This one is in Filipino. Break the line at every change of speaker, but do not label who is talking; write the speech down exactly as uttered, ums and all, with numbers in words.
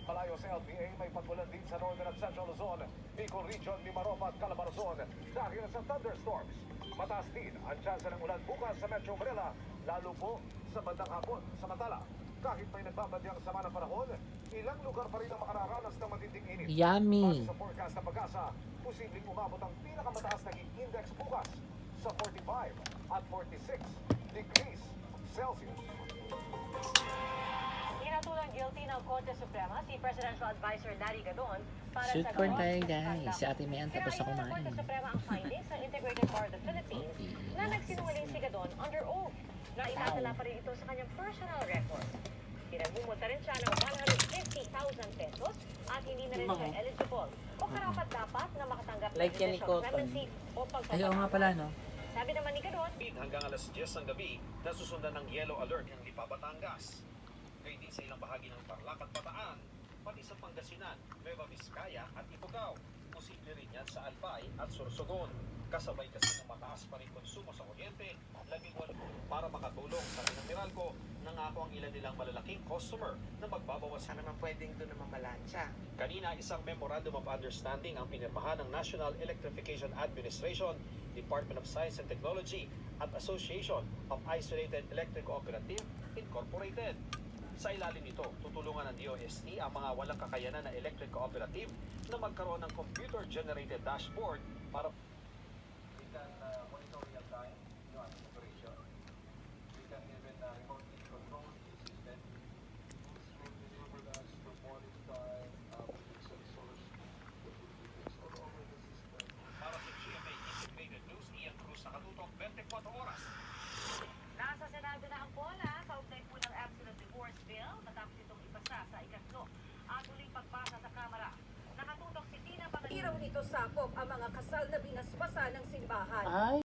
Malayo sa L T A, may pagbulan din sa Northern at Central Luzon, Bicol Region, Mimaropa at Calabarzon dahil sa thunderstorms. Mataas din ang tsansa ng ulan bukas sa Metro Manila, lalo po sa bandang hapon. Samantala, kahit may nagbabadyang sama ng panahon, ilang lugar pa rin ang makararanas ng matinding init.
Yummy!
Base sa forecast ng Pag-asa, posibleng umabot ang pinakamataas na heat index bukas sa forty-five at forty-six degrees Celsius.
Hinatulang guilty ng Korte Suprema si Presidential Advisor Larry Gadon para
Shoot
sa
corn
gawa
tayo
ng
guys.
skandalo.
Si Ate Mayan tapos na
Sinayon ng Korte
kumain.
Suprema ang findings ng Integrated Bar of the Philippines na nagsinungaling si Gadon under oath na itatala pa rin ito sa kanyang personal record. Pinagmumulta rin siya ng one hundred fifty thousand pesos at hindi na rin siya eligible o karapat-dapat na makatanggap ng
Like yan ni
judicial
Cotton.
clemency o
Ay, oo nga pala, no?
Sabi naman ni Gadon,
Hanggang alas diyes ng gabi, nasusundan ng yellow alert ng Lipa, Batangas. Ngayon din sa ilang bahagi ng Tarlac at Bataan, pati sa Pangasinan, Nueva Vizcaya at Ifugao. Posible rin yan sa Albay at Sorsogon. Kasabay kasi ng mataas pa rin konsumo sa kuryente, labing walo. Para makatulong sa ng Meralco, nangako ang ilan nilang malalaking customer na magbabawas.
Sana naman pwedeng doon naman malansya.
Kanina, isang Memorandum of Understanding ang pinirmahan ng National Electrification Administration, Department of Science and Technology at Association of Isolated Electric Cooperative Incorporated. Sa ilalim nito, tutulungan ng D O S T ang mga walang kakayanan na electric cooperative na magkaroon ng computer-generated dashboard para we can uh, monitor real time yung ating operation. We can even uh, remotely control the system. Tools will enable us to monitor uh, sensors that will be placed all over the system. Para sa G M A Integrated News, Ian Cruz, nakatutok twenty-four oras.
nasa Senado na ang bola kaugnay po ng Absolute Divorce Bill matapos itong ipasa sa ikatlo at uling pagpasa sa Kamara. Nakatutok si Tina Pangilinan.
Iraw nito sakop ang mga kasal na binasbasa ng simbahan.
Ay!